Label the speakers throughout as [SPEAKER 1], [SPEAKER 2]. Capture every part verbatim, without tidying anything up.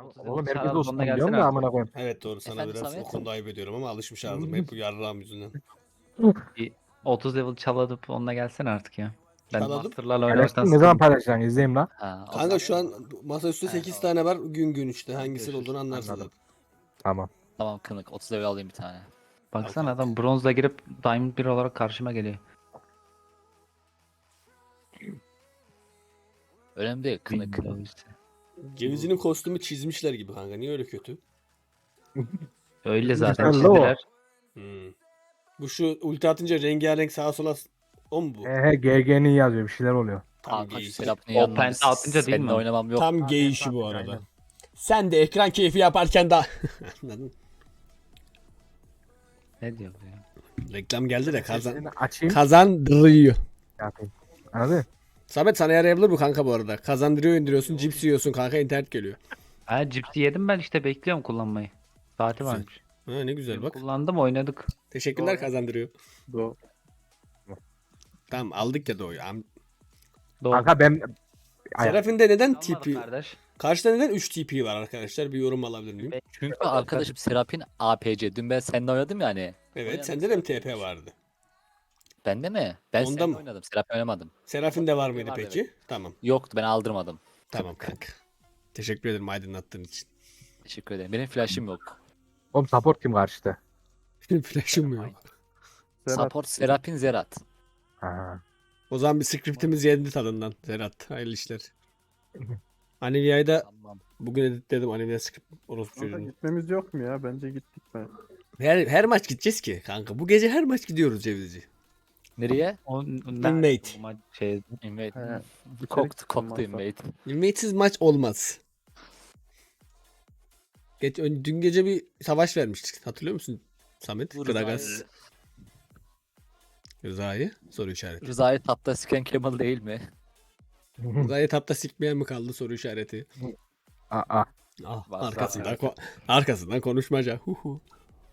[SPEAKER 1] Oğlum herkes
[SPEAKER 2] Çağrı,
[SPEAKER 1] olsun
[SPEAKER 2] sonuna
[SPEAKER 1] diyorum
[SPEAKER 2] gelsene
[SPEAKER 1] da
[SPEAKER 2] artık.
[SPEAKER 1] amına koyayım.
[SPEAKER 3] Evet doğru sana
[SPEAKER 4] Efendim
[SPEAKER 3] biraz
[SPEAKER 4] Samet?
[SPEAKER 3] o konuda ayıp ediyorum ama alışmış ağzım hep bu yarrağım yüzünden.
[SPEAKER 2] Bir otuz level çaladıp onunla gelsene artık ya. Ben
[SPEAKER 3] Çaladım.
[SPEAKER 2] Master'larla oynamaktan
[SPEAKER 1] Paylaştın ne zaman
[SPEAKER 2] sıkıldım.
[SPEAKER 1] paylaşacaksın izleyeyim lan.
[SPEAKER 4] Ha, o
[SPEAKER 3] Kanka
[SPEAKER 4] zaman-
[SPEAKER 3] şu an masaüstü
[SPEAKER 4] He,
[SPEAKER 3] sekiz
[SPEAKER 4] tamam.
[SPEAKER 3] tane var gün gün işte hangisinin
[SPEAKER 4] görüşürüz.
[SPEAKER 3] olduğunu anlarsın
[SPEAKER 1] Anladım.
[SPEAKER 3] zaten.
[SPEAKER 1] Tamam.
[SPEAKER 4] Tamam kınık. otuz level alayım bir tane.
[SPEAKER 2] Baksana
[SPEAKER 3] Al kanka.
[SPEAKER 2] adam bronzla girip Diamond bir olarak karşıma geliyor.
[SPEAKER 4] Önemli değil kınık.
[SPEAKER 2] Windows.
[SPEAKER 3] Cevizinin kostümü çizmişler gibi kanka niye öyle kötü?
[SPEAKER 2] Öyle zaten
[SPEAKER 1] Güzel la o.
[SPEAKER 2] çizdiler.
[SPEAKER 3] Hmm. Bu şu ulti atınca rengarenk sağa sola s- o mu bu?
[SPEAKER 1] He he G G'nin yazıyor bir şeyler oluyor.
[SPEAKER 3] Tam
[SPEAKER 4] Kanka şu
[SPEAKER 3] gay.
[SPEAKER 4] Serap'ın
[SPEAKER 2] O
[SPEAKER 4] yanına
[SPEAKER 2] penta atınca değil
[SPEAKER 4] seninle
[SPEAKER 2] mi?
[SPEAKER 4] oynamam yok.
[SPEAKER 3] Tam
[SPEAKER 1] Ha,
[SPEAKER 3] gay
[SPEAKER 1] evet,
[SPEAKER 3] işi bu
[SPEAKER 1] tabii,
[SPEAKER 3] arada.
[SPEAKER 1] aynen.
[SPEAKER 3] Sen de ekran keyfi yaparken daha... Anladın?
[SPEAKER 2] Ne diyor bu ya?
[SPEAKER 3] Reklam geldi de kazan
[SPEAKER 1] Sesini açayım.
[SPEAKER 3] kazandırıyor.
[SPEAKER 1] Yapayım. Anladın?
[SPEAKER 3] Samet sana yarayabilir bu kanka bu arada. Kazandırıyor indiriyorsun cips yiyorsun kanka internet geliyor.
[SPEAKER 2] Ha cipsi yedim ben işte bekliyorum kullanmayı. Saati
[SPEAKER 3] Güzel.
[SPEAKER 2] varmış.
[SPEAKER 3] Ha ne güzel bak.
[SPEAKER 2] Kullandım oynadık.
[SPEAKER 3] Teşekkürler
[SPEAKER 1] Doğru.
[SPEAKER 3] kazandırıyor.
[SPEAKER 1] Doğru.
[SPEAKER 3] Tamam aldık ya doğuyu. Am-
[SPEAKER 2] Doğru.
[SPEAKER 1] Kanka ben... Ay,
[SPEAKER 3] Serafin'de neden
[SPEAKER 2] Anladık
[SPEAKER 3] T P?
[SPEAKER 2] kardeş.
[SPEAKER 3] Karşıda neden üç T P var arkadaşlar? Bir yorum alabilir miyim?
[SPEAKER 4] Çünkü arkadaşım Serap'in A P C. Dün ben seninle oynadım yani.
[SPEAKER 3] Evet
[SPEAKER 4] Oynadık,
[SPEAKER 3] sende de mi
[SPEAKER 4] Serap'in
[SPEAKER 3] T P
[SPEAKER 4] oynamış.
[SPEAKER 3] vardı?
[SPEAKER 4] Bende mi? Ben
[SPEAKER 3] Onda
[SPEAKER 4] seninle
[SPEAKER 3] mı?
[SPEAKER 4] oynadım. Serap'le oynamadım.
[SPEAKER 3] Serafin'de var mıydı
[SPEAKER 4] Vardı,
[SPEAKER 3] peki?
[SPEAKER 4] evet.
[SPEAKER 3] Tamam.
[SPEAKER 4] Yoktu ben aldırmadım.
[SPEAKER 3] Tamam kanka. Teşekkür ederim aydınlattığın için.
[SPEAKER 4] Teşekkür ederim. Benim flash'ım yok.
[SPEAKER 1] Oğlum support kim karşıda?
[SPEAKER 3] Benim flash'ım yok.
[SPEAKER 4] Support Serap'in Zerat.
[SPEAKER 1] Ha.
[SPEAKER 3] O zaman bir scriptimiz yendi tadından. Zerat hayırlı işler. Anivia'yı da
[SPEAKER 4] Tamam.
[SPEAKER 3] bugün editledim Anivia script orospu
[SPEAKER 5] Kanka
[SPEAKER 3] çocuğunu.
[SPEAKER 5] gitmemiz yok mu ya? Bence gittik ben.
[SPEAKER 3] Her, her maç gideceğiz ki kanka. Bu gece her maç gidiyoruz Cevizci.
[SPEAKER 4] Nereye?
[SPEAKER 2] O,
[SPEAKER 3] Inmate.
[SPEAKER 2] o ma- şey,
[SPEAKER 4] Invade.
[SPEAKER 5] He.
[SPEAKER 4] Koktu, koktu
[SPEAKER 5] olmazsa.
[SPEAKER 4] invade.
[SPEAKER 3] Inmate'siz maç olmaz. Geç, ön- dün gece bir savaş vermiştik. Hatırlıyor musun Samet?
[SPEAKER 4] Bu
[SPEAKER 3] Gragas.
[SPEAKER 4] Rıza'yı-
[SPEAKER 3] Rıza'yı soru işareti.
[SPEAKER 4] Rıza'yı tapta siken Kemal değil mi?
[SPEAKER 3] Rıza'yı tapta sikmeyen mi kaldı soru işareti.
[SPEAKER 1] Aa.
[SPEAKER 3] Ah,
[SPEAKER 4] Var,
[SPEAKER 3] arkasından,
[SPEAKER 4] var.
[SPEAKER 3] ko- arkasından konuşmaca. Hu hu.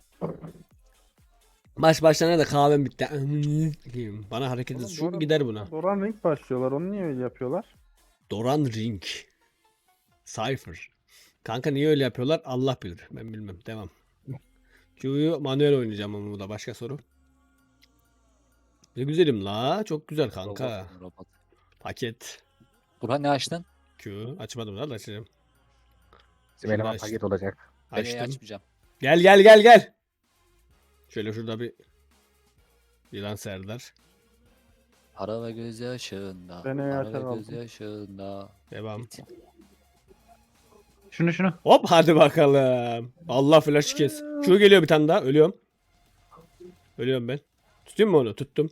[SPEAKER 3] Maç başlarına da kahvem bitti. Bana hareket
[SPEAKER 5] Oğlum,
[SPEAKER 3] şu
[SPEAKER 5] Doran-
[SPEAKER 3] gider buna.
[SPEAKER 5] Doran Ring başlıyorlar. Onu niye öyle yapıyorlar?
[SPEAKER 3] Doran Ring. Cypher. Kanka niye öyle yapıyorlar? Allah bilir. Ben bilmem. Devam. Q'yu manuel oynayacağım ama bu da başka soru. Ne güzelim la. Çok güzel kanka.
[SPEAKER 4] Robot, robot.
[SPEAKER 3] Paket.
[SPEAKER 4] Burhan ne açtın?
[SPEAKER 3] Q. Açmadım daha da açacağım.
[SPEAKER 1] Bizim eleman
[SPEAKER 3] açtım.
[SPEAKER 1] paket olacak.
[SPEAKER 4] Ben neyi
[SPEAKER 3] Açtım.
[SPEAKER 4] açmayacağım.
[SPEAKER 3] Gel gel gel gel. Şöyle şurada bir Yılan Serdar.
[SPEAKER 4] Para ve gözyaşında.
[SPEAKER 5] Ben neyi
[SPEAKER 4] Para
[SPEAKER 5] açar
[SPEAKER 4] ve
[SPEAKER 5] aldım.
[SPEAKER 4] gözyaşında.
[SPEAKER 3] Devam.
[SPEAKER 2] şunu şunu.
[SPEAKER 3] Hop hadi bakalım. Allah flash kes. Q geliyor bir tane daha. Ölüyorum. Ölüyorum ben. Tutayım mı onu? Tuttum.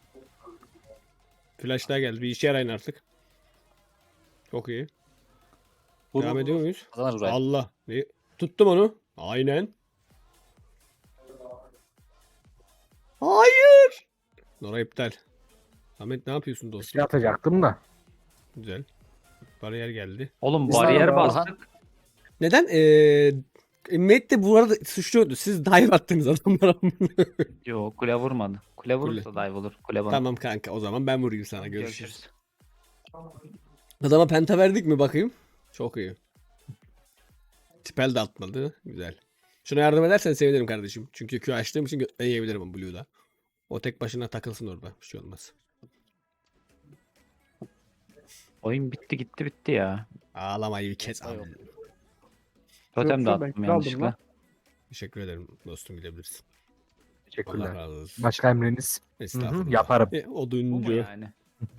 [SPEAKER 3] Flash daha geldi. Bir işe yarayın artık. Çok iyi.
[SPEAKER 4] Vur,
[SPEAKER 3] Devam
[SPEAKER 4] vur,
[SPEAKER 3] ediyor
[SPEAKER 4] vur.
[SPEAKER 3] muyuz?
[SPEAKER 4] Kazanır Burhan.
[SPEAKER 3] Allah. Ne? Tuttum onu. Aynen. Hayır. Nora iptal. Ahmet ne yapıyorsun
[SPEAKER 1] Şey
[SPEAKER 3] dostum?
[SPEAKER 1] atacaktım da.
[SPEAKER 3] Güzel. Bariyer geldi.
[SPEAKER 2] Oğlum
[SPEAKER 5] Biz
[SPEAKER 2] bariyer
[SPEAKER 5] abi,
[SPEAKER 2] bastık.
[SPEAKER 3] Neden? Ee, Mate de bu arada suçluyordu. Siz dive attınız adamlara.
[SPEAKER 2] Yok kule vurmadı. Kule vurursa dive olur. Kule bana.
[SPEAKER 3] Tamam kanka o zaman ben vurayım sana. Görüşürüz.
[SPEAKER 2] Görüşürüz.
[SPEAKER 3] Adama penta verdik mi bakayım? Çok iyi. Tipel de atmadı. Güzel. Şuna yardım edersen sevinirim kardeşim. Çünkü Q açtığım için götten yiyebilirim o Blue'da. O tek başına takılsın orada. Bir şey olmaz.
[SPEAKER 2] Oyun bitti gitti bitti ya.
[SPEAKER 3] Ağlamayı bir kes
[SPEAKER 4] Yok.
[SPEAKER 3] abi.
[SPEAKER 2] Totem de
[SPEAKER 5] Yoksa ben
[SPEAKER 2] attım
[SPEAKER 5] kral aldım
[SPEAKER 2] yanlışlıkla.
[SPEAKER 5] lan.
[SPEAKER 3] Teşekkür ederim dostum gidebilirsin. Allah
[SPEAKER 1] Teşekkürler.
[SPEAKER 3] razı olsun.
[SPEAKER 1] Başka emriniz? Hı hı,
[SPEAKER 3] Estağfurullah.
[SPEAKER 1] yaparım.
[SPEAKER 3] E,
[SPEAKER 2] Bu mu
[SPEAKER 3] oduncu.
[SPEAKER 2] yani?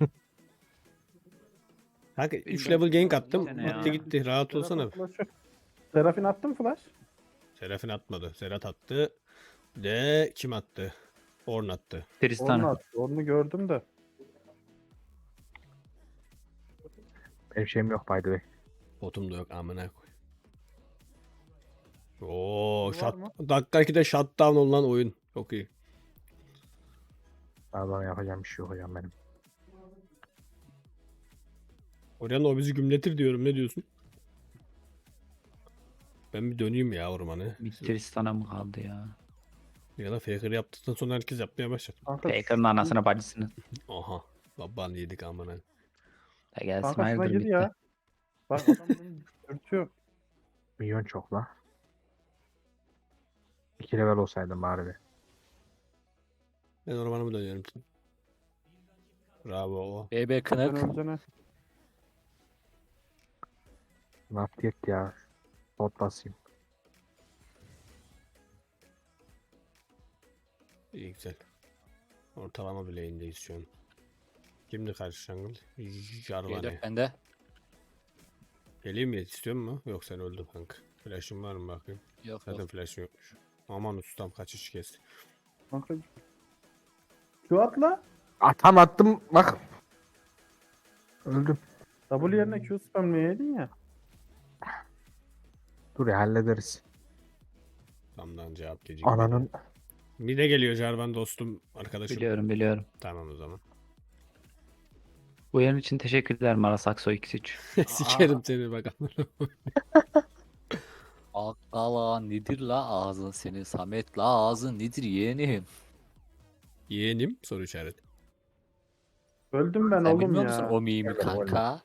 [SPEAKER 3] Kanka üç
[SPEAKER 2] Bilmiyorum.
[SPEAKER 3] level gank attım.
[SPEAKER 2] Bir sene ya.
[SPEAKER 3] Gitti gitti. Rahat olsana.
[SPEAKER 5] Seraf'in flash'ı. Serafin attı mı flash?
[SPEAKER 3] Serafin atmadı. Serhat attı. De kim attı? Orn attı.
[SPEAKER 5] Onu
[SPEAKER 2] Tristan.
[SPEAKER 5] attı. Onu gördüm de.
[SPEAKER 1] Benim şeyim yok by the way.
[SPEAKER 3] Botum da yok amına koy. Oo,
[SPEAKER 5] Var
[SPEAKER 3] shut,
[SPEAKER 5] mı?
[SPEAKER 3] dakika ikide shutdown olan oyun. Çok iyi.
[SPEAKER 1] Daha bana yapacağım bir şey yok hocam benim.
[SPEAKER 3] Oryan o bizi gümletir diyorum. Ne diyorsun? Ben bir döneyim ya ormanı.
[SPEAKER 2] Bir Tristan'a mı kaldı ya?
[SPEAKER 3] Ya da faker yaptıktan sonra herkes yapmaya başladı.
[SPEAKER 5] Kanka,
[SPEAKER 2] Faker'ın anasına bacısını.
[SPEAKER 3] Aha. Baban yedik amına.
[SPEAKER 2] Da gelsin
[SPEAKER 5] kanka şuna
[SPEAKER 2] hayırdır
[SPEAKER 5] gir
[SPEAKER 2] bitti.
[SPEAKER 5] ya. Bak adam beni dürtüyor.
[SPEAKER 1] Milyon çok la. İki level olsaydım bari bir.
[SPEAKER 3] Ben ormanımı dönüyorum. Bravo.
[SPEAKER 4] B B
[SPEAKER 5] Sen
[SPEAKER 4] kınık.
[SPEAKER 5] öleceğine.
[SPEAKER 1] Ne yaptık ya? Bot basayım.
[SPEAKER 3] İyi güzel. Ortalama bileğindeyiz şu an. Kimdi karşı jungle?
[SPEAKER 4] G
[SPEAKER 3] Jarvane.
[SPEAKER 4] dört bende.
[SPEAKER 3] Geleyim mi? İstiyor mu? Yok sen öldün kanka. Flash'ın var mı bakayım?
[SPEAKER 4] Yok
[SPEAKER 3] Zaten
[SPEAKER 4] yok.
[SPEAKER 3] flash'ın yokmuş. Aman ustam kaçış kesti.
[SPEAKER 5] Kanka. Şu atla.
[SPEAKER 1] Atam attım bak. Öldüm.
[SPEAKER 5] W yerine Q spamleyeydin ya.
[SPEAKER 1] Dur ya hallederiz.
[SPEAKER 3] Tamdan cevap gecikmedi.
[SPEAKER 1] Ananın
[SPEAKER 3] Bir de geliyor Jarvan dostum arkadaşım.
[SPEAKER 2] Biliyorum biliyorum.
[SPEAKER 3] Tamam o zaman.
[SPEAKER 2] Bu yer için teşekkürler Maras Aksoy X üç.
[SPEAKER 3] Sikerim seni bakalım.
[SPEAKER 4] Akkala nedir la ağzın senin Samet la ağzın nedir yeğenim?
[SPEAKER 3] Yeğenim soru işareti.
[SPEAKER 5] Öldüm ben
[SPEAKER 4] Sen
[SPEAKER 5] oğlum
[SPEAKER 4] bilmiyor
[SPEAKER 5] ya.
[SPEAKER 4] musun o mimi
[SPEAKER 1] Evet, oğlum.
[SPEAKER 4] kanka?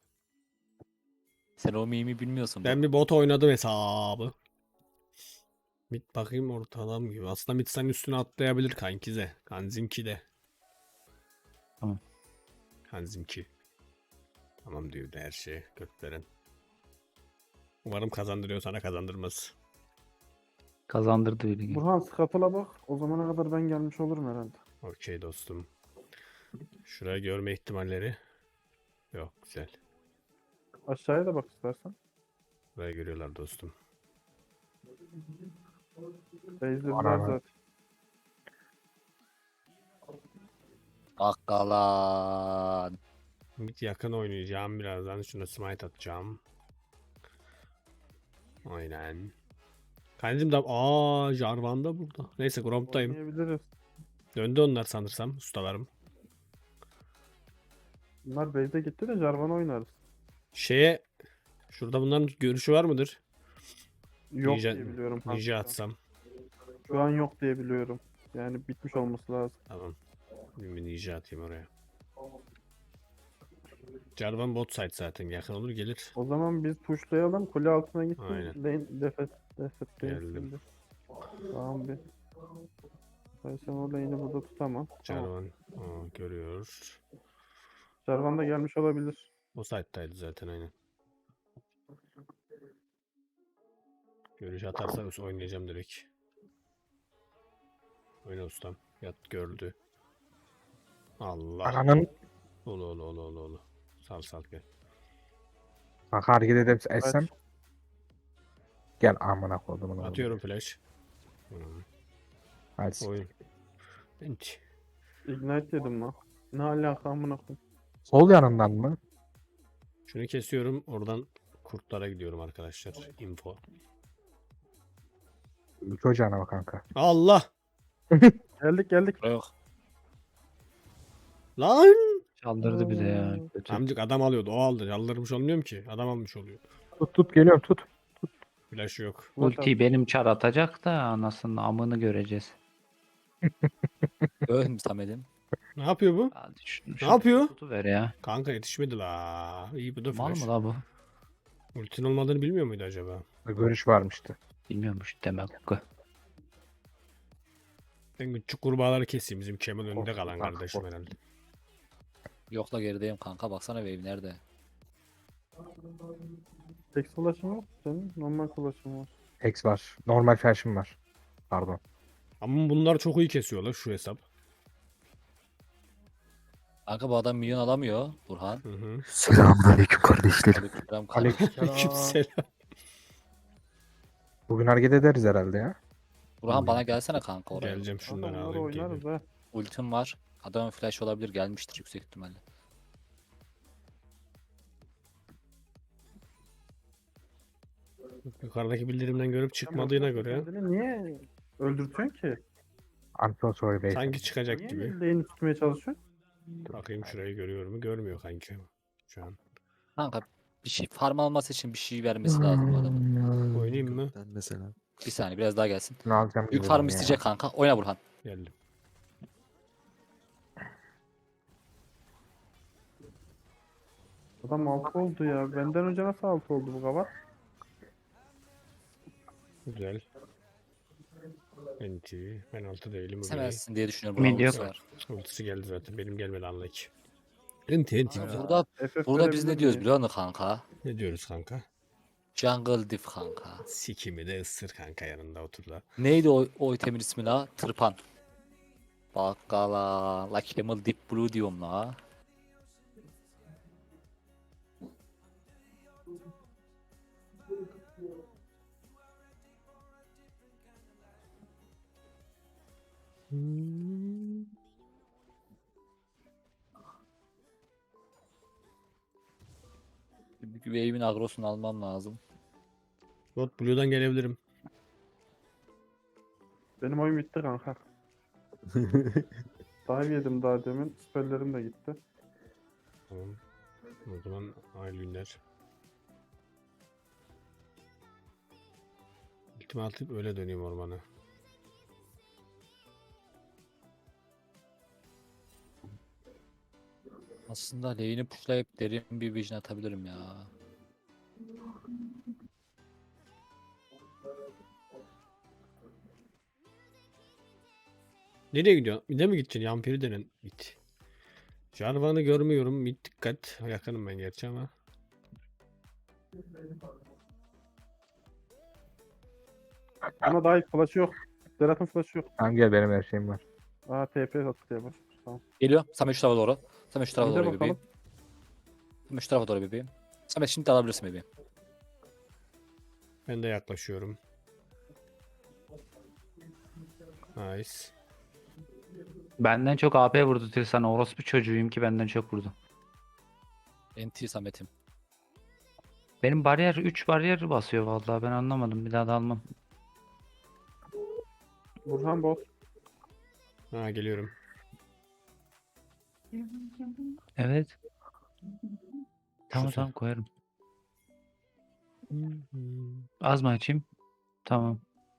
[SPEAKER 4] Sen o mimi bilmiyorsun.
[SPEAKER 3] Ben bir bot oynadım hesabı. Mid bakayım ortalam gibi. Aslında mid senin üstüne atlayabilir kankize. Kanzinki de.
[SPEAKER 2] Tamam.
[SPEAKER 3] Kanzinki. Tamam diyor da her şey götveren. Umarım kazandırıyor sana kazandırmaz.
[SPEAKER 2] Kazandırdı bilgi.
[SPEAKER 5] Burhan skatala bak. O zamana kadar ben gelmiş olurum herhalde.
[SPEAKER 3] Okey dostum. Şuraya görme ihtimalleri. Yok güzel.
[SPEAKER 5] Aşağıya da bak istersen.
[SPEAKER 3] Buraya görüyorlar dostum.
[SPEAKER 5] Beyzlediler
[SPEAKER 1] Ana.
[SPEAKER 5] zaten.
[SPEAKER 4] Akkala.
[SPEAKER 3] Mid yakın oynayacağım birazdan. Şuna smite atacağım. Aynen. Kancım da aa Jarvan da burada. Neyse Gromp'tayım.
[SPEAKER 5] Oynayabiliriz.
[SPEAKER 3] Döndü onlar sanırsam ustalarım.
[SPEAKER 5] Bunlar base'e gitti de Jarvan oynarız.
[SPEAKER 3] Şeye şurada bunların görüşü var mıdır?
[SPEAKER 5] Yok
[SPEAKER 3] Ninja-
[SPEAKER 5] diye biliyorum. kanka.
[SPEAKER 3] Ninja atsam.
[SPEAKER 5] Şu an yok diye biliyorum. Yani bitmiş olması lazım.
[SPEAKER 3] Tamam. Bir ninja atayım oraya. Jarvan bot side zaten yakın olur gelir.
[SPEAKER 5] O zaman biz pushlayalım. Kule altına gitsin.
[SPEAKER 3] Aynen.
[SPEAKER 5] Lane defet defet
[SPEAKER 3] Geldim.
[SPEAKER 5] değilsin de. Tamam bir. Ben sen o lane'i burada tutamam. Tamam.
[SPEAKER 3] Jarvan aa, görüyor.
[SPEAKER 5] Jarvan da gelmiş olabilir.
[SPEAKER 3] O side'daydı zaten aynen. Görüş atarsa oynayacağım direkt. Oyna ustam. Yat gördü. Allah.
[SPEAKER 1] ananın
[SPEAKER 3] Olu olu olu olu olu. Sal sal gel.
[SPEAKER 1] bak hareket edip
[SPEAKER 5] Kaç.
[SPEAKER 1] etsem. Gel amına koydum.
[SPEAKER 3] Atıyorum flash. Hmm.
[SPEAKER 1] Hadi.
[SPEAKER 3] Oyun. Bench.
[SPEAKER 5] Ignite dedim lan. Ne alaka amına koyayım.
[SPEAKER 1] Sol yanından mı?
[SPEAKER 3] Şunu kesiyorum. Oradan kurtlara gidiyorum arkadaşlar. Info.
[SPEAKER 1] Üç ocağına bak kanka.
[SPEAKER 3] Allah!
[SPEAKER 5] Geldik geldik.
[SPEAKER 4] Yok.
[SPEAKER 3] Lan!
[SPEAKER 2] Çaldırdı bize ya. Kötü.
[SPEAKER 3] Amcık adam alıyordu. O aldı. Yalvarmış olmuyorum ki. Adam almış oluyor.
[SPEAKER 1] Tut tut geliyorum tut.
[SPEAKER 3] Flash yok.
[SPEAKER 2] Ultiyi benim çar atacak da anasının amını göreceğiz.
[SPEAKER 4] Ölüm Samet'im.
[SPEAKER 3] Ne yapıyor bu?
[SPEAKER 2] Hadi şunu,
[SPEAKER 3] Ne yapıyor?
[SPEAKER 2] Tutuver ya.
[SPEAKER 3] Kanka yetişmedi la. İyi bu da
[SPEAKER 2] Mal
[SPEAKER 3] flash.
[SPEAKER 2] mı la bu?
[SPEAKER 3] Ultin olmadığını bilmiyor muydu acaba?
[SPEAKER 1] Görüş varmıştı.
[SPEAKER 2] Bilmiyormuş demek ki.
[SPEAKER 3] Ben küçük kurbağaları keseyim. Bizim Kemal önünde
[SPEAKER 1] Korktum
[SPEAKER 3] kalan
[SPEAKER 1] kanka,
[SPEAKER 3] kardeşim
[SPEAKER 1] korktum.
[SPEAKER 3] herhalde.
[SPEAKER 4] Yok la gerideyim kanka baksana wave nerede?
[SPEAKER 5] Tek flash'ın yok senin. Normal flash'ın var.
[SPEAKER 1] Hex var. Normal fashion var. Pardon.
[SPEAKER 3] Ama bunlar çok iyi kesiyorlar şu hesap.
[SPEAKER 4] Kanka bu adam milyon alamıyor Burhan.
[SPEAKER 3] Hı hı.
[SPEAKER 1] Selamünaleyküm kardeşlerim.
[SPEAKER 4] Aleykümselam kanka.
[SPEAKER 1] Aleyküm.
[SPEAKER 3] Aleykümselam.
[SPEAKER 1] Bugün hareket ederiz herhalde ya.
[SPEAKER 4] Burhan bana gelsene kanka oraya.
[SPEAKER 3] Geleceğim şunları
[SPEAKER 5] Adamları
[SPEAKER 3] alayım.
[SPEAKER 5] oynarız
[SPEAKER 3] geleyim.
[SPEAKER 5] ha.
[SPEAKER 4] Ultim var. Adamın flash olabilir gelmiştir yüksek ihtimalle.
[SPEAKER 3] Yukarıdaki bildirimden görüp çıkmadığına göre
[SPEAKER 5] Kendini niye öldürtüyorsun ki?
[SPEAKER 1] I'm so sorry baby.
[SPEAKER 3] sanki çıkacak
[SPEAKER 5] Niye
[SPEAKER 3] gibi.
[SPEAKER 5] lane'i tutmaya çalışıyorsun?
[SPEAKER 3] Bakayım şurayı görüyor mu? Görmüyor kanki. Şu an.
[SPEAKER 4] Kanka bir şey farm alması için bir şey vermesi lazım bu adamın.
[SPEAKER 3] Oynayayım mı?
[SPEAKER 6] Ben mesela.
[SPEAKER 4] Bir saniye biraz daha gelsin.
[SPEAKER 1] Ne alacağım
[SPEAKER 4] Büyük
[SPEAKER 1] bilmiyorum
[SPEAKER 4] farm
[SPEAKER 1] ya.
[SPEAKER 4] isteyecek kanka. Oyna Burhan.
[SPEAKER 3] Geldim.
[SPEAKER 5] Adam altı oldu ya. Benden önce nasıl altı oldu bu kavat?
[SPEAKER 3] Güzel. Enti. Ben altı değilim. Bu biri.
[SPEAKER 4] Kesemezsin diye düşünüyorum.
[SPEAKER 2] Mid
[SPEAKER 4] Bravo
[SPEAKER 2] yok.
[SPEAKER 4] sefer.
[SPEAKER 3] Ultisi geldi zaten. Benim gelmedi anla ki. Enti enti güzel.
[SPEAKER 4] Burada
[SPEAKER 5] F F
[SPEAKER 4] burada biz
[SPEAKER 5] verebilir
[SPEAKER 4] ne diyoruz
[SPEAKER 5] miyim?
[SPEAKER 4] biliyor musun kanka?
[SPEAKER 3] Ne diyoruz kanka?
[SPEAKER 4] Jungle Diff kanka.
[SPEAKER 3] Sikimi de ısır kanka yanında otur da.
[SPEAKER 4] Neydi o, o itemin ismi la? Tırpan. Bakkala. La Camel Deep Blue diyorum la. Wave'in agrosunu almam lazım.
[SPEAKER 3] Bot Blue'dan gelebilirim.
[SPEAKER 5] Benim oyun bitti kanka. Dive yedim daha demin. Spellerim de gitti.
[SPEAKER 3] Tamam. O zaman hayırlı günler. Ultimi atıp öyle döneyim ormana.
[SPEAKER 4] Aslında lane'i pushlayıp derin bir vision atabilirim ya.
[SPEAKER 3] Nereye gidiyorsun? Bir de mi gideceksin? Yampiri denen git. Jarvan'ı görmüyorum. Mid dikkat. Yakınım ben gerçi ama.
[SPEAKER 5] Ama dive flash'ı yok. Zerat'ın flash'ı yok.
[SPEAKER 1] Tamam gel benim her şeyim var.
[SPEAKER 5] Aa T P attı diye bas. Tamam.
[SPEAKER 4] Geliyor. Samet şu tarafa doğru. Samet şu tarafa
[SPEAKER 5] Bir de
[SPEAKER 4] doğru bebeğim.
[SPEAKER 5] bakalım.
[SPEAKER 4] Samet şu tarafa doğru bebeğim. Samet şimdi de alabilirsin bebeğim.
[SPEAKER 3] Ben de yaklaşıyorum. Nice.
[SPEAKER 2] Benden çok A P vurdu Tirsan. Orospu çocuğuyum ki benden çok vurdu.
[SPEAKER 4] N T Samet'im.
[SPEAKER 2] Benim bariyer üç bariyer basıyor vallahi ben anlamadım. Bir daha da almam.
[SPEAKER 5] Burhan bot.
[SPEAKER 3] Ha geliyorum.
[SPEAKER 2] Evet. Tamam
[SPEAKER 3] Şu
[SPEAKER 2] tamam koyarım. Az mı açayım? Tamam.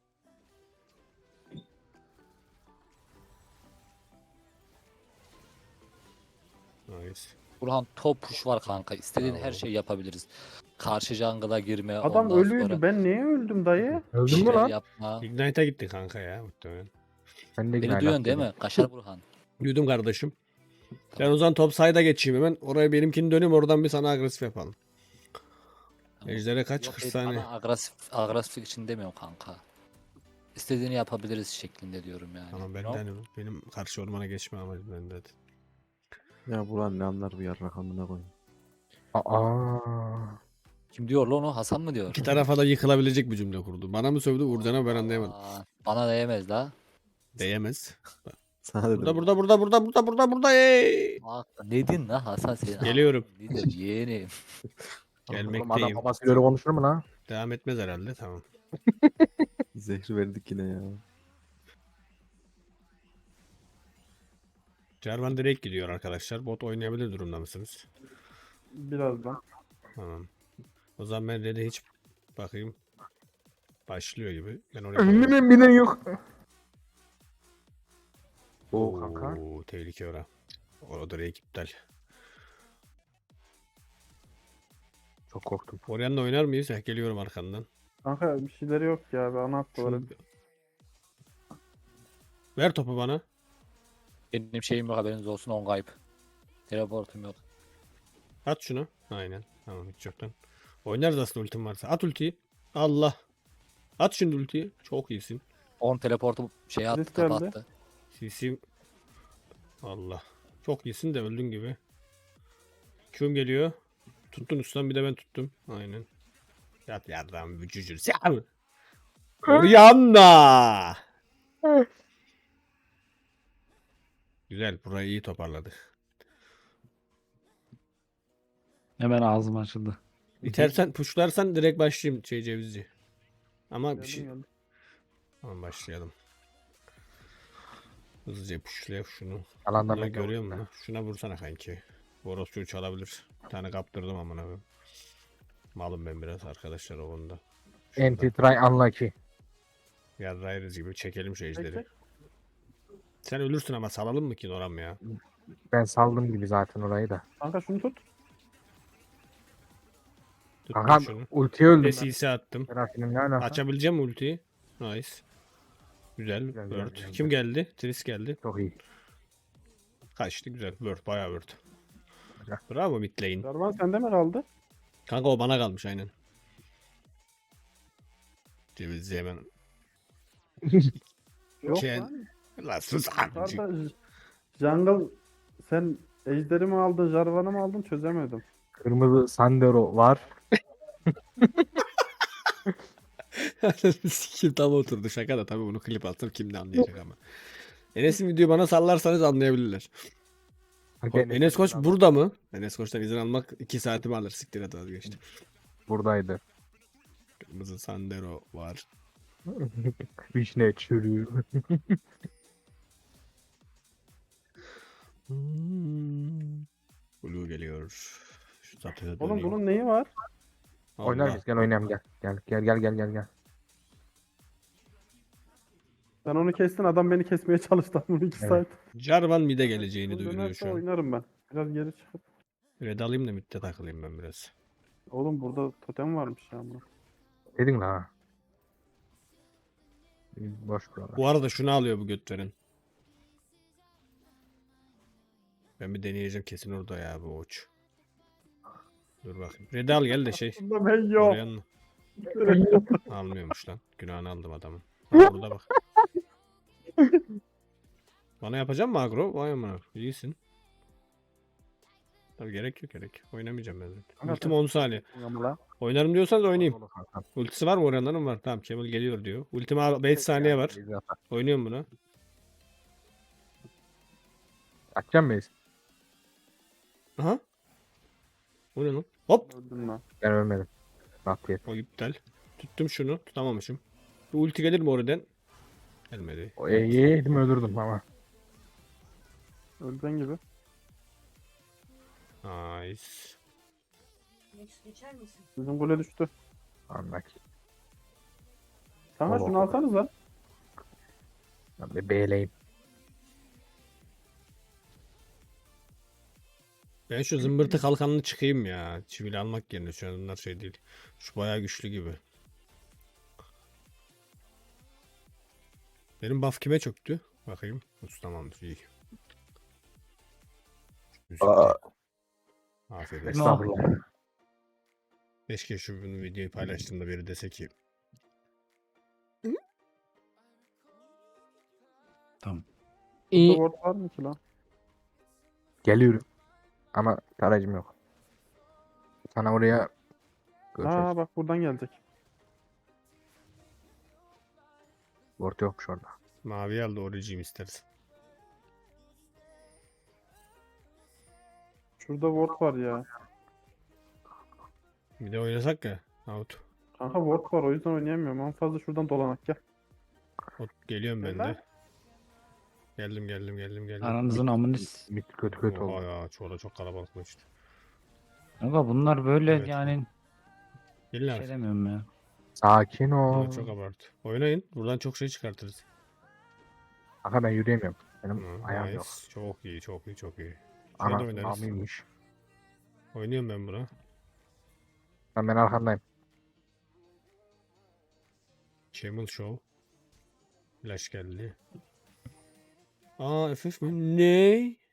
[SPEAKER 3] Nice.
[SPEAKER 4] Burhan top push var kanka. İstediğin her
[SPEAKER 3] Bravo.
[SPEAKER 4] şeyi yapabiliriz. Karşı jungle'a girme.
[SPEAKER 5] Adam
[SPEAKER 4] ondan
[SPEAKER 5] ölüydü.
[SPEAKER 4] sonra
[SPEAKER 5] Ben niye öldüm dayı?
[SPEAKER 4] bir
[SPEAKER 1] Öldün mü
[SPEAKER 4] şeyler
[SPEAKER 1] lan?
[SPEAKER 4] yapma.
[SPEAKER 3] Ignite'a gitti kanka ya muhtemelen.
[SPEAKER 1] Ben de
[SPEAKER 4] Beni
[SPEAKER 1] ignite
[SPEAKER 4] duyuyorsun değil
[SPEAKER 1] attım.
[SPEAKER 4] mi? Kaşar Burhan.
[SPEAKER 3] Duydum kardeşim. Ben o zaman top side'a geçeyim hemen. Oraya benimkini döneyim oradan bir sana agresif yapalım.
[SPEAKER 4] Tamam.
[SPEAKER 3] Ejder'e kaç?
[SPEAKER 4] Yok,
[SPEAKER 3] kırk
[SPEAKER 4] ben
[SPEAKER 3] saniye.
[SPEAKER 4] bana agresif, agresiflik için demiyorum kanka. İstediğini yapabiliriz şeklinde diyorum yani.
[SPEAKER 3] Tamam ben
[SPEAKER 4] No?
[SPEAKER 3] de hani benim karşı ormana geçme amacım bende.
[SPEAKER 6] Ya Buran ne anlar bu yarrak amına koyayım.
[SPEAKER 1] Aa.
[SPEAKER 4] Kim diyor lan o? Hasan mı diyor?
[SPEAKER 3] İki tarafa da yıkılabilecek bir cümle kurdu. Bana mı sövdü Uğurcan'a ben anlayamadım.
[SPEAKER 4] Aa, bana değmez la.
[SPEAKER 3] Değemez.
[SPEAKER 6] Sana dedim.
[SPEAKER 3] Burada burada burada burada burada burada burada ey.
[SPEAKER 4] Bak ne din la Hasan senin?
[SPEAKER 3] Geliyorum.
[SPEAKER 4] Nedir yeğenim?
[SPEAKER 1] Oğlum adam
[SPEAKER 3] Gelmekteyim.
[SPEAKER 1] babasıyla öyle konuşur mu lan?
[SPEAKER 3] Devam etmez herhalde tamam.
[SPEAKER 6] Zehri verdik yine ya.
[SPEAKER 3] Jarvan direkt gidiyor arkadaşlar. Bot oynayabilir durumda mısınız?
[SPEAKER 5] Birazdan.
[SPEAKER 3] Tamam. O zaman ben de hiç bakayım. Başlıyor gibi. Ben oraya
[SPEAKER 1] Önümden binen yok. Oo kanka.
[SPEAKER 3] Oo, tehlike ora. O direkt iptal.
[SPEAKER 1] Çok korktum.
[SPEAKER 3] Oryan'la oynar mıyız? Heh, geliyorum arkandan.
[SPEAKER 5] Kanka bir şeyleri yok ya. Bir ana attılar.
[SPEAKER 3] Şunu- Ver topu bana.
[SPEAKER 4] Benim şeyim yok haberiniz olsun on kayıp. Teleportum yok.
[SPEAKER 3] At şunu. Aynen. Tamam hiç yoktan. Oynarız aslında ultim varsa. At ultiyi. Allah. At şimdi ultiyi. Çok iyisin.
[SPEAKER 4] on teleportu şey attı
[SPEAKER 5] Risk geldi.
[SPEAKER 4] kapattı.
[SPEAKER 3] C C. Allah. Çok iyisin de öldün gibi. Q'm geliyor. Tuttun ustan bir de ben tuttum. Aynen. Yat yardım vücucur. Sen. Orianna. Güzel. Burayı iyi toparladık.
[SPEAKER 2] Hemen ağzım açıldı.
[SPEAKER 3] İtersen pushlarsan direkt başlayayım şey cevizci. Ama bir
[SPEAKER 5] Geldim,
[SPEAKER 3] şey.
[SPEAKER 5] geldim.
[SPEAKER 3] Tamam başlayalım. Hızlıca pushlayalım şunu.
[SPEAKER 1] Alandan
[SPEAKER 3] Bunları
[SPEAKER 1] bekle.
[SPEAKER 3] görüyor musun? Şuna vursana kanki. Orospu'yu çalabilir. Bir tane kaptırdım amına koyayım. Malım ben biraz arkadaşlar o konuda.
[SPEAKER 1] Anti try unlucky.
[SPEAKER 3] Yarrayırız gibi çekelim şu ejderi.
[SPEAKER 5] Çek,
[SPEAKER 3] Sen ölürsün ama salalım mı ki Noram ya?
[SPEAKER 1] Ben saldım gibi zaten orayı da.
[SPEAKER 5] Kanka şunu tut.
[SPEAKER 3] Tuttum
[SPEAKER 1] Kankam
[SPEAKER 3] şunu.
[SPEAKER 1] ultiyi öldüm ben.
[SPEAKER 3] Desise attım.
[SPEAKER 1] Seraphim'in ne alaka?
[SPEAKER 3] Açabileceğim mi ultiyi? Nice. Güzel.
[SPEAKER 1] Güzel, güzel,
[SPEAKER 3] Word.
[SPEAKER 1] güzel,
[SPEAKER 3] Kim
[SPEAKER 1] güzel.
[SPEAKER 3] geldi? Tris geldi.
[SPEAKER 1] Çok iyi.
[SPEAKER 3] Kaçtı güzel. Word. Bayağı Word.
[SPEAKER 1] Güzel.
[SPEAKER 3] Bravo mid lane.
[SPEAKER 5] Jarvan sende mi kaldı?
[SPEAKER 3] Kanka o bana kalmış aynen. Cevizli hemen.
[SPEAKER 5] Yok
[SPEAKER 3] Şey-
[SPEAKER 5] lan.
[SPEAKER 3] La sus amcık.
[SPEAKER 5] Yukarıda J- Jungle sen ejderi mi aldın, Jarvan'ı mı aldın çözemedim.
[SPEAKER 1] Kırmızı Sandero var.
[SPEAKER 3] Sikim tam oturdu. Şaka da tabii bunu klip atsam kim de anlayacak ama. Enes'in videoyu bana sallarsanız anlayabilirler.
[SPEAKER 1] Hak
[SPEAKER 3] O-
[SPEAKER 1] Enes
[SPEAKER 3] Enes Koç
[SPEAKER 1] adam
[SPEAKER 3] burada mı? Enes Koç'tan izin almak iki saatimi alır. Siktir et vazgeçtim.
[SPEAKER 1] buradaydı.
[SPEAKER 3] Kırmızı Sandero var.
[SPEAKER 1] Vişne çürüğü.
[SPEAKER 3] Hmm. Blue geliyor. Şu zaten
[SPEAKER 5] Oğlum
[SPEAKER 3] döneyim.
[SPEAKER 5] bunun neyi var?
[SPEAKER 1] Oynar
[SPEAKER 3] Allah.
[SPEAKER 1] mıyız? Gel oynayalım gel. Gel gel gel gel gel gel.
[SPEAKER 5] Sen onu kestin, adam beni kesmeye çalıştı bunu iki
[SPEAKER 1] Evet.
[SPEAKER 5] saat.
[SPEAKER 3] Jarvan mid'e geleceğini
[SPEAKER 5] Bunu
[SPEAKER 3] duyuruyor
[SPEAKER 5] dönerse
[SPEAKER 3] şu an.
[SPEAKER 5] oynarım ben. Biraz geri çıkıp.
[SPEAKER 3] Red alayım da mid'de takılayım ben biraz.
[SPEAKER 5] Oğlum burada totem varmış ya. Ama.
[SPEAKER 1] Dedin la ha. Boş buralar.
[SPEAKER 3] Bu arada şunu alıyor bu göt veren. Ben bir deneyeceğim kesin orada ya bu uç. Dur bakayım. Red al gel de şey.
[SPEAKER 5] Bunda ben yok.
[SPEAKER 3] Oraya mı? Almıyormuş lan. Günahını aldım adamın. Ha, burada bak. Bana yapacak mı agro? Vay amına. İyisin. Tabii gerek yok gerek. yok. Oynamayacağım ben zaten.
[SPEAKER 5] Kanka
[SPEAKER 3] Ultim
[SPEAKER 5] sen-
[SPEAKER 3] on saniye.
[SPEAKER 5] Ama la.
[SPEAKER 3] Oynarım diyorsanız oynayayım.
[SPEAKER 1] Dolu kankam.
[SPEAKER 3] Ultisi var mı Orianna'nın var. Tamam Kemal geliyor diyor. Ultim beş saniye var.
[SPEAKER 1] Biz yapar.
[SPEAKER 3] Oynuyorum buna.
[SPEAKER 1] Açacağım mıyız?
[SPEAKER 3] Aha. O ne lan? Hop.
[SPEAKER 5] Öldüm lan.
[SPEAKER 1] Ben ölmedim. Bak diye.
[SPEAKER 3] O iptal. Tuttum şunu. Tutamamışım. Bu ulti gelir mi oradan? Gelmedi.
[SPEAKER 1] O iyi yedim öldürdüm ama.
[SPEAKER 5] Öldüğün gibi.
[SPEAKER 3] Nice.
[SPEAKER 7] Geçer misin?
[SPEAKER 5] Bizim gole düştü.
[SPEAKER 1] Anlak.
[SPEAKER 5] Kanka
[SPEAKER 1] Allah
[SPEAKER 5] şunu
[SPEAKER 1] Allah.
[SPEAKER 5] alsanız lan.
[SPEAKER 1] Ben bir B'leyim.
[SPEAKER 3] Ben şu zımbırtı kalkanını çıkayım ya. Çivili almak yerine şu an bunlar şey değil. Şu bayağı güçlü gibi. Benim buff kime çöktü? Bakayım. Usta tamamdır iyi.
[SPEAKER 1] Aa.
[SPEAKER 3] Afiyet olsun.
[SPEAKER 1] Estağfurullah.
[SPEAKER 3] Keşke şu bunu videoyu paylaştığımda biri dese ki
[SPEAKER 2] Tamam.
[SPEAKER 5] Burada ward var mı ki lan?
[SPEAKER 1] Geliyorum. Ama tarayıcım yok. Sana oraya görüşürüz.
[SPEAKER 5] Aa bak buradan gelecek.
[SPEAKER 1] Word yokmuş orada.
[SPEAKER 3] mavi al da oricim istersen.
[SPEAKER 5] Şurada ward var ya.
[SPEAKER 3] Bir de oynasak ya. Out.
[SPEAKER 5] Kanka ward var o yüzden oynayamıyorum. En fazla şuradan dolanak gel.
[SPEAKER 3] Ot, geliyorum ben
[SPEAKER 5] Neden?
[SPEAKER 3] de. Geldim geldim geldim geldim.
[SPEAKER 2] Aranızın amını s-
[SPEAKER 1] Mid kötü kötü
[SPEAKER 3] Oha
[SPEAKER 1] oldu.
[SPEAKER 3] ya çoğu da çok kalabalıklaştı.
[SPEAKER 2] Kanka bunlar böyle
[SPEAKER 3] Evet.
[SPEAKER 2] yani
[SPEAKER 3] Gelin
[SPEAKER 2] bir
[SPEAKER 3] abi.
[SPEAKER 2] şey demiyorum ya.
[SPEAKER 1] Sakin ol.
[SPEAKER 3] Bunlar çok abartı. Oynayın. Buradan çok şey çıkartırız.
[SPEAKER 1] Kanka ben yürüyemiyorum. Benim
[SPEAKER 3] Hı,
[SPEAKER 1] ayağım
[SPEAKER 3] nice.
[SPEAKER 1] yok.
[SPEAKER 3] Çok iyi çok iyi çok iyi. Şurada
[SPEAKER 1] Ana
[SPEAKER 3] oynarız.
[SPEAKER 1] amıymış.
[SPEAKER 3] Oynuyorum ben buna.
[SPEAKER 1] Ben, ben arkandayım.
[SPEAKER 3] Camel Show. Flash geldi. Aa F F mi? Ne?